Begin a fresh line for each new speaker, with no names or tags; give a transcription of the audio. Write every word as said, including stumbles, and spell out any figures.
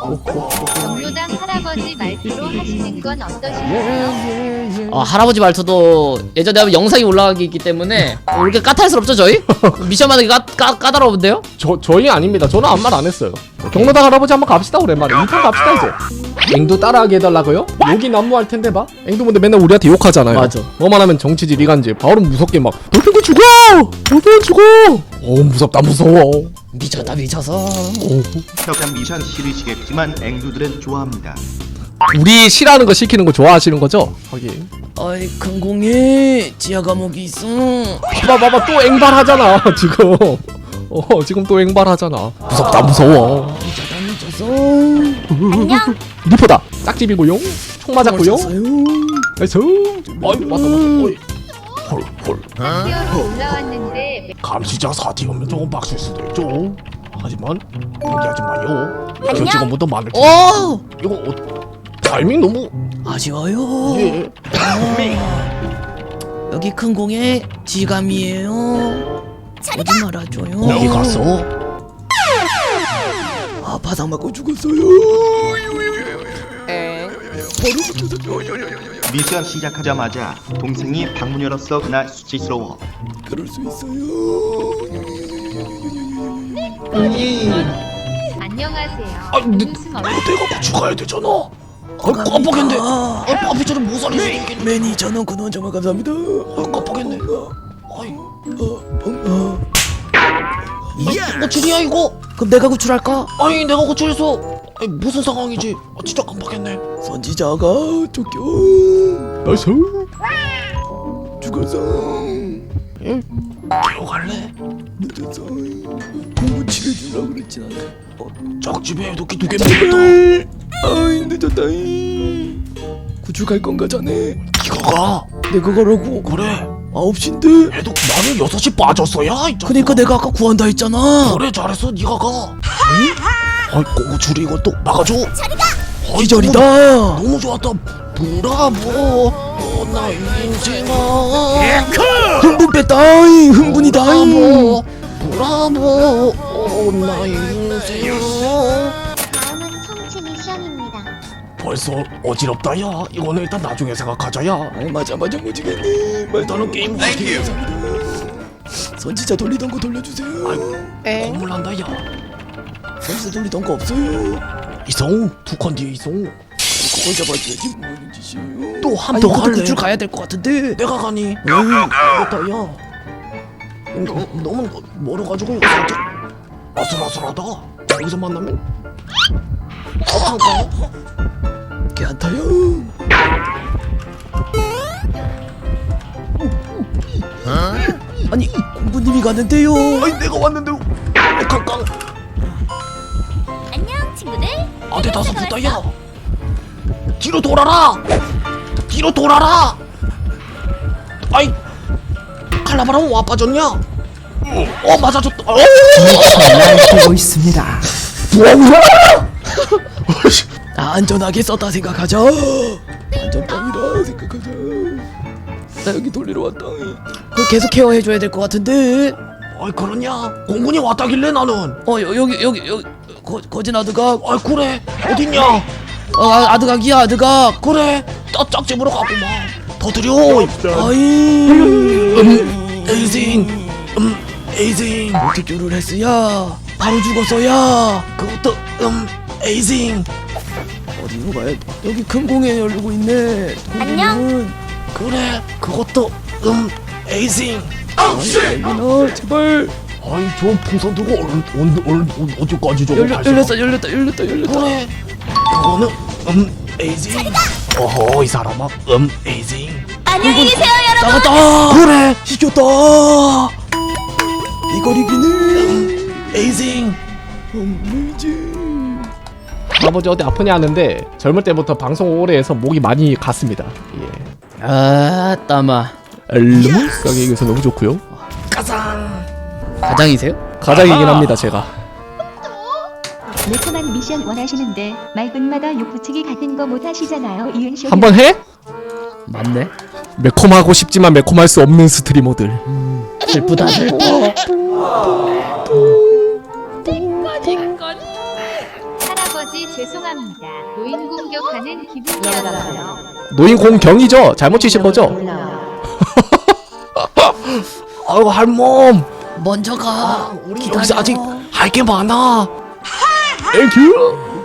경로당 할아버지 말투로 하시는 건 어떠신가요?
아, 할아버지 말투도 예전에 한번 영상이 올라가기 있기 때문에 어, 이렇게 까탈스럽죠 저희? 미션마다 까, 까, 까다로운데요?
저, 저희 아닙니다. 저는 아무 말 안 했어요. 경로당 할아버지 한번 갑시다 오랜만에. 이 판 갑시다 이제. 앵두 따라하게 해달라고요? 욕이 난무할 텐데 봐. 앵두 근데 맨날 우리한테 욕하잖아요.
맞아.
뭐만 하면 정치질 이간질. 바로 무섭게 막 너희들 죽어! 너희들 죽어! 어 무섭다 무서워.
미쳤다 미쳐서.
오.
혁한 미션 싫으시겠지만 앵두들은 좋아합니다.
우리 싫어하는 거 시키는 거 좋아하시는 거죠? 하긴.
어이 큰 공에 지하 감옥이 있어.
봐봐 봐봐 또 앵발하잖아 지금. 어 지금 또 앵발하잖아. 무섭다 무서워.
미쳤다 미쳐서.
안녕.
리포다. 짝집이고요. 총 맞았고요.
쳤어요.
나이스. 아이 맞다 맞다. 어이. 헐헐.
티어로 올라왔는데
감시자 사티오면 조금 빡칠 수도 있죠. 하지만 포기하지 마요. 그 직원보다 많을 텐데.
어
이거 어, 타이밍 너무
아쉬워요.
예.
여기 큰 공에 지감이에요. 오지 말아줘요.
여기 갔어.
아 바닥 맞고 죽었어요.
미션 시작하자마자 동생이 방문 열었어. 그날 수치스러워.
그럴 수 있어요.
안녕하세요.
아, 근데
웃음
이거
얼굴
내가 고치 가야 되잖아. 아, 깜빡했네. 아, 앞에처럼 못 살릴 수 있겠네.
매니저는 근원 정말 감사합니다.
아, 깜빡했네. 아이,
어, 어. 이 고출이야 이거? 그럼 내가 구출할까?
아니 내가 고쳐서 아니 무슨 상황이지? 아, 진짜 깜빡했네.
선지자가 쫓겨
나이스.
죽었어.
예? 기어갈래?
늦었어. 공부 치료해주려고 그랬지 나는.
어, 짝집에 도끼 두개 먹었다.
아이 늦었다. 구출 갈 건가 자네?
기가 가.
내가 가라고.
그래.
아홉 시인데.
해도 나는 여섯 시 빠졌어야. 이 자식아.
그니까 내가 아까 구한다 했잖아.
그래 잘했어. 네가 가. 아이 고추리 이거 또 막아줘. 아이,
기절이다.
너무, 너무 좋았다. 브라보. 어, 나 인생아.
흥분 뺐다. 이, 흥분이다.
브라보. 브라보. 어, 나 인생아.
다음은 성취 미션입니다.
벌써 어지럽다 야. 이거는 일단 나중에 생각하자 야.
아이 맞아 맞아 무지겠네.
일단은 게임
땡큐. 선지자 돌리던 거 돌려주세요.
아이고 건물 난다 야.
선지자 돌리던 거 없어요.
이성 두컨 뒤에 이성.
그걸 잡아줘야지 뭐하는 짓이에요.
또 한
아니
번
이것도
갈래?
구출 가야 될 것 같은데.
내가 가니? 그렇다 야. 이거 너무 멀어가지고 이거 살짝 아슬아슬하다. 여기서 만나면 어떤가?
괜찮다요. 아니 공부님이 가는데요.
아니 내가 왔는데 깡깡.
안녕 친구들.
안돼 다섯 붙다 야. 뒤로 돌아라. 뒤로 돌아라. 아이 칼라바람 와 빠졌냐? 어 맞아줬다. 어.
보고 있습니다.
아, 안전하게 썼다 생각하자. 안전빵이라 생각하자. 나 여기 돌리러 왔다. 그 계속 케어해줘야 될 것 같은데.
아이 그러냐? 공군이 왔다길래 나는.
어 여, 여기 여기 여기 거, 거진 아드각.
아이 그래 어딨냐?
어 아, 아드각이야 아드각.
그래 딱 짝집으로 가고만 더 드려.
아이
음 에이징 음 에이징
어떻게를 했어야 바로 죽었어야.
그것도 음 에이징.
어디로 가야 돼? 여기 큰 공에 열리고 있네.
안녕.
그래 그것도 음 에이징.
여기나 제발.
아이 저 풍선 들고 얼, 얼, 얼, 어디까지 저거
열려
갈 수가-
열렸다 열렸다 열렸다 열렸다.
그래 그거는 음 에이징. 어허 이 사람아 음 에이징.
안녕히 계세요 여러분.
나갔다.
그래
이겼다. 이걸 이기네.
에이징.
엄물지.
아버지 어디 아프냐 하는데 젊을 때부터 방송 오래 해서 목이 많이 갔습니다. 예.
아 땀아.
너무 가게 얘기해서 너무 좋고요.
가장이세요?
가장이긴 합니다 제가.
매콤한 미션 원하시는데 말분마다 욕붙이기 같은 거 못하시잖아요. 이은쇼
한번 해?
맞네.
매콤하고 싶지만 매콤할 수 없는 스트리머들.
슬프다 슬퍼.
할아버지 죄송합니다. 노인 공격하는 기분이었어요.
노인 공경이죠? 잘못 치신 거죠? 아이고 할멈
먼저 가.
여기서 아직 할 게 많아. 땡큐.